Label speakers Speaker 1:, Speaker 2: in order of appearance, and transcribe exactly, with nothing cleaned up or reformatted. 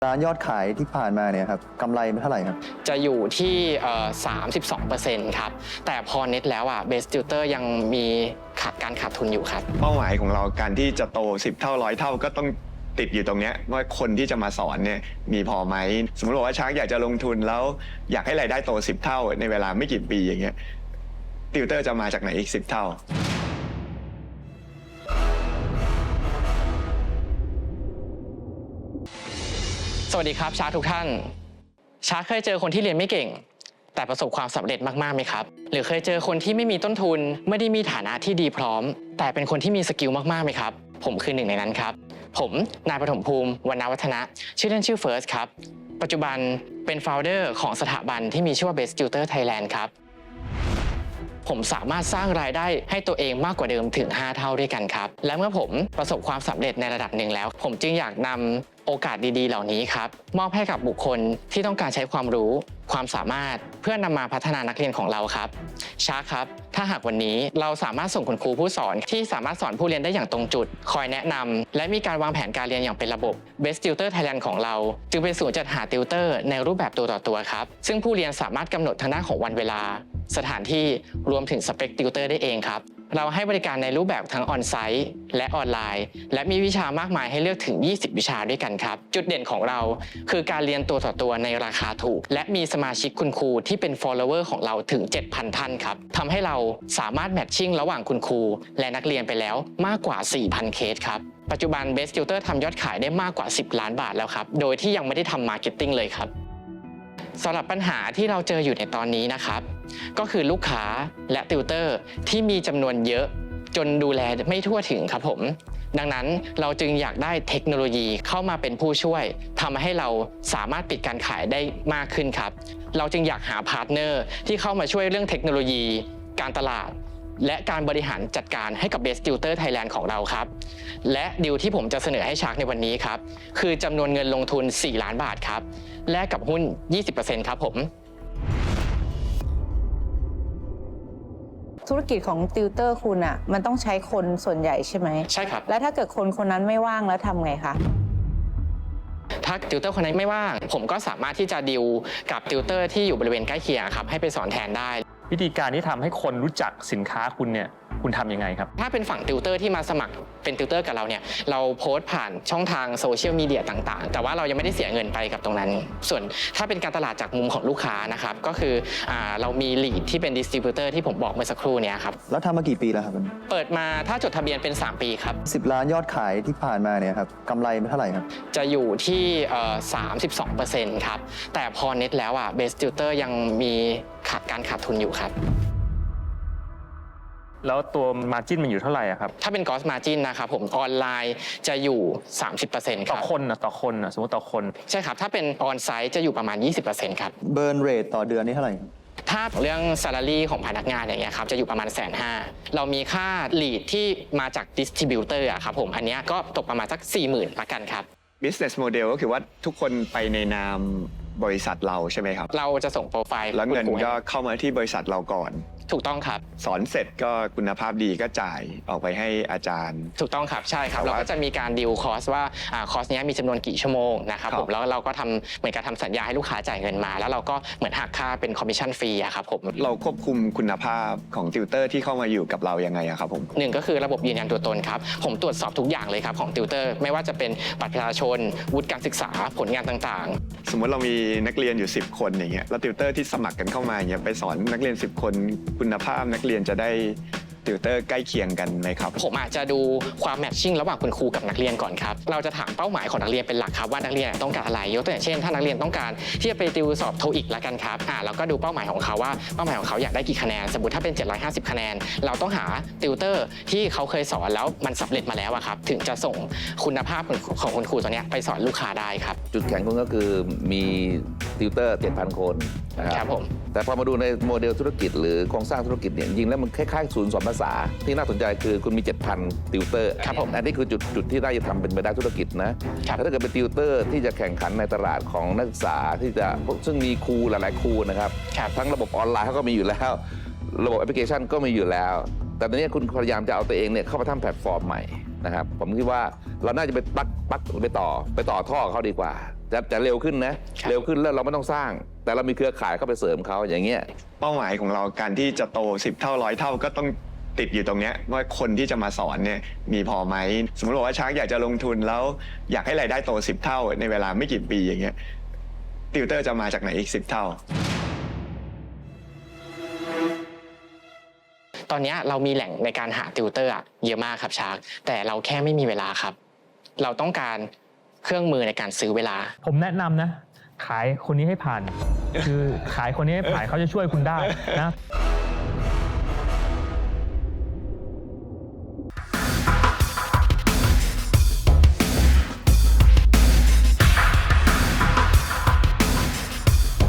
Speaker 1: ร้านยอดขายที่ผ่านมาเนี่ยครับกำไรเท่าไหร่ครับ
Speaker 2: จะอยู่ที่สามสิบสองเปอร์เซ็นต์ครับแต่พอเน็ตแล้วอ่ะเบสติวเตอร์ยังมีขาดการขาดทุนอยู่ครับ
Speaker 3: เป้าหมายของเราการที่จะโตสิบเท่าร้อยเท่าก็ต้องติดอยู่ตรงนี้ว่าคนที่จะมาสอนเนี่ยมีพอไหมสมมติว่าชาร์กอยากจะลงทุนแล้วอยากให้รายได้โตสิบเท่าในเวลาไม่กี่ปีอย่างเงี้ยติวเตอร์จะมาจากไหนอีกสิบเท่า
Speaker 2: สวัสดีครับชาร์กทุกท่านชาร์กเคยเจอคนที่เรียนไม่เก่งแต่ประสบความสำเร็จมากๆไหมครับหรือเคยเจอคนที่ไม่มีต้นทุนไม่ได้มีฐานะที่ดีพร้อมแต่เป็นคนที่มีสกิลมากๆไหมครับผมคือหนึ่งในนั้นครับผมนายปฐมภูมิวรรณวัฒนะชื่อเล่นชื่อเฟิร์สครับปัจจุบันเป็น โฟลเดอร์ ของสถาบันที่มีชื่อว่า Best Tutor Thailand ครับผมสามารถสร้างรายได้ให้ตัวเองมากกว่าเดิมถึงห้าเท่าด้วยกันครับและเมื่อผมประสบความสำเร็จในระดับหนึ่งแล้วผมจึงอยากนำโอกาสดีๆเหล่านี้ครับมอบให้กับบุคคลที่ต้องการใช้ความรู้ความสามารถเพื่อนำมาพัฒนานักเรียนของเราครับชาร์กครับถ้าหากวันนี้เราสามารถส่งคุณครูผู้สอนที่สามารถสอนผู้เรียนได้อย่างตรงจุดคอยแนะนำและมีการวางแผนการเรียนอย่างเป็นระบบ Best Tutor Thailand ของเราจึงเป็นศูนย์จัดหาติวเตอร์ในรูปแบบตัวต่อตัวครับซึ่งผู้เรียนสามารถกำหนดทางด้านของวันเวลาสถานที่รวมถึงสเปคติวเตอร์ได้เองครับเราให้บริการในรูปแบบทั้งออนไซต์และออนไลน์และมีวิชามากมายให้เลือกถึงยี่สิบวิชาด้วยกันครับจุดเด่นของเราคือการเรียนตัวต่อตัวในราคาถูกและมีสมาชิกคุณครูที่เป็น follower ของเราถึง เจ็ดพัน ท่านครับทำให้เราสามารถแมทชิ่งระหว่างคุณครูและนักเรียนไปแล้วมากกว่า สี่พัน เคสครับปัจจุบัน Best Tutor ทำยอดขายได้มากกว่าสิบล้านบาทแล้วครับโดยที่ยังไม่ได้ทำมาร์เก็ตติ้งเลยครับสำหรับปัญหาที่เราเจออยู่ในตอนนี้นะครับก็คือลูกค้าและติวเตอร์ที่มีจำนวนเยอะจนดูแลไม่ทั่วถึงครับผมดังนั้นเราจึงอยากได้เทคโนโลยีเข้ามาเป็นผู้ช่วยทำให้เราสามารถปิดการขายได้มากขึ้นครับเราจึงอยากหาพาร์ทเนอร์ที่เข้ามาช่วยเรื่องเทคโนโลยีการตลาดและการบริหารจัดการให้กับ Best Tutor Thailand ของเราครับและดีลที่ผมจะเสนอให้ชาร์กในวันนี้ครับคือจำนวนเงินลงทุนสี่ล้านบาทครับแลกกับหุ้น ยี่สิบเปอร์เซ็นต์ ครับผม
Speaker 4: ธุรกิจของติวเตอร์คุณอ่ะมันต้องใช้คนส่วนใหญ่ใช่ไหม
Speaker 2: ใช่ครับ
Speaker 4: แล้วถ้าเกิดคนคนนั้นไม่ว่างแล้วทำไงคะ
Speaker 2: ถ้าติวเตอร์คนนั้นไม่ว่างผมก็สามารถที่จะดีลกับติวเตอร์ที่อยู่บริเวณใกล้เคียงครับให้ไปสอนแทนได้
Speaker 5: วิธีการที่ทำให้คนรู้จักสินค้าคุณเนี่ยคุณทำยังไงครับ
Speaker 2: ถ้าเป็นฝั่งติวเตอร์ที่มาสมัครเป็นติวเตอร์กับเราเนี่ยเราโพสต์ผ่านช่องทางโซเชียลมีเดียต่างๆแต่ว่าเรายังไม่ได้เสียเงินไปกับตรงนั้นส่วนถ้าเป็นการตลาดจากมุมของลูกค้านะครับก็คืออ่าเรามีลีดที่เป็นดิสติบิวเตอร์ที่ผมบอกเมื่อสักครู่นี้ครับ
Speaker 1: แล้วทำมากี่ปีแล้วครับ
Speaker 2: เปิดมาถ้าจดทะเบียนเป็นสามปีครับ
Speaker 1: สิบล้านยอดขายที่ผ่านมาเนี่ยครับกำไรเท่าไหร่ครับ
Speaker 2: จะอยู่ที่สามสิบสองเปอร์เซ็นต์ครับแต่พอเน็ตแล้วอ่ะเบสติวเตอร์ยังมีขาดการขาดทุนอยู่ครับ
Speaker 5: แล้วตัว margin มันอยู่เท่าไหร่ครับ
Speaker 2: ถ้าเป็น gross margin นะครับผมออนไลน์จะอยู่ สามสิบเปอร์เซ็นต์ ครับ
Speaker 5: ต่อคนนะต่อคนนะสมมติต่อคน
Speaker 2: ใช่ครับถ้าเป็นออนไซต์จะอยู่ประมาณ ยี่สิบเปอร์เซ็นต์ ครับ
Speaker 1: burn rate ต่อเดือนนี่เท่าไหร่
Speaker 2: ถ้าเรื่อง salary ของพนักงานอย่างเงี้ยครับจะอยู่ประมาณแสนห้าเรามีค่า lead ที่มาจาก distributor อะครับผมอันนี้ก็ตกประมาณสัก สี่หมื่น ละกันครับ
Speaker 3: business model ก็คือว่าทุกคนไปในนามบริษัทเราใช่ไหมครับ
Speaker 2: เราจะส่งโปรไฟล์
Speaker 3: แล้วเงินก็เข้ามาที่บริษัทเราก่อน
Speaker 2: ถูกต้องครับ
Speaker 3: สอนเสร็จก็คุณภาพดีก็จ่ายออกไปให้อาจารย์
Speaker 2: ถูกต้องครับใช่ครับเราก็จะมีการดีลคอสว่าคอสนี้มีจำนวนกี่ชั่วโมงนะครับผมแล้วเราก็ทำเหมือนกับทำสัญญาให้ลูกค้าจ่ายเงินมาแล้วเราก็เหมือนหักค่าเป็นคอมมิชชั่นฟรีอะครับผม
Speaker 3: เราควบคุมคุณภาพของติวเตอร์ที่เข้ามาอยู่กับเรายังไงครับผม
Speaker 2: หนึ่งก็คือระบบยืนยันตัวตนครับผมตรวจสอบทุกอย่างเลยครับของติวเตอร์ไม่ว่าจะเป็นบัตรประชาชนวุฒิการศึกษาผลงานต่าง
Speaker 3: ๆสมมติเรามีนักเรียนอยู่สิบคนอย่างเงี้ยแล้วติวเตอร์ที่สมัครกันเข้ามาอย่างเงี้ยไปสอนนักเรียนสิบคนคุณภาพนักเรียนจะได้ติวเตอร์ใกล้เคียงกันไหมครับ
Speaker 2: ผมอาจจะดูความแมทชิ่งระหว่างคุณครูกับนักเรียนก่อนครับเราจะถามเป้าหมายของนักเรียนเป็นหลักครับว่านักเรียนต้องการอะไรยกตัวอย่างเช่นถ้านักเรียนต้องการที่จะไปติวสอบโทอีกละกันครับอ่าเราก็ดูเป้าหมายของเขาว่าเป้าหมายของเขาอยากได้กี่คะแนนสมมติถ้าเป็นเจ็ดร้อยห้าสิบคะแนนเราต้องหาติวเตอร์ที่เขาเคยสอนแล้วมันสำเร็จมาแล้วครับถึงจะส่งคุณภาพของคุณครูตัวนี้ไปสอนลูกค้าได้ครับ
Speaker 6: จุดแข็งคุณก็คือมีติวเตอร์ เจ็ดพัน คน
Speaker 2: นะครับผม
Speaker 6: แต่พอมาดูในโมเดลธุรกิจหรือโครงสร้างธุรกิจเนี่ยจริงแล้วมันคล้ายๆศูนย์สอนภาษาที่น่าสนใจคือคุณมี เจ็ดพัน ติวเตอร์
Speaker 2: ครับผม
Speaker 6: อันนี้คือจุดจุดที่ได้จะทำเป็นไปได้ธุรกิจนะแต่ถ้าเกิดเป็นติวเตอร์ที่จะแข่งขันในตลาดของนักศึกษาที่จะซึ่งมีครูหลายๆครูนะครับทั้งระบบออนไลน์เขาก็มีอยู่แล้วระบบแอปพลิเคชันก็มีอยู่แล้วแต่ตอนนี้คุณพยายามจะเอาตัวเองเนี่ยเข้ามาทำแพลตฟอร์มใหม่นะครับผมคิดว่าเราน่าจะไปปักปักไปต่อไปต่อท่อเขาดีกว่าจะจะเร็วขึ้นนะ
Speaker 2: ครับ
Speaker 6: เร็วขึ้นแล้วเราไม่ต้องสร้าง แต่เรามีเครือข่ายเข้าไปเสริมเขาอย่างเงี้ย
Speaker 3: เป้าหมายของเราการที่จะโตสิบเท่าร้อยเท่าก็ต้องติดอยู่ตรงเนี้ยว่าคนที่จะมาสอนเนี่ยมีพอไหมสมมติว่าชาร์กอยากจะลงทุนแล้วอยากให้รายได้โตสิบเท่าในเวลาไม่กี่ปีอย่างเงี้ยติวเตอร์จะมาจากไหนอีกสิบเท่า
Speaker 2: ตอนนี้เรามีแหล่งในการหาติวเตอร์อะเยอะมากครับชาร์กแต่เราแค่ไม่มีเวลาครับ เราต้องการเครื่องมือในการซื้อเวลา
Speaker 5: ผมแนะนำนะ ขายคนนี้ให้ผ่าน คือขายคนนี้ให้ผ่านเขาจะช่วยคุณได้นะ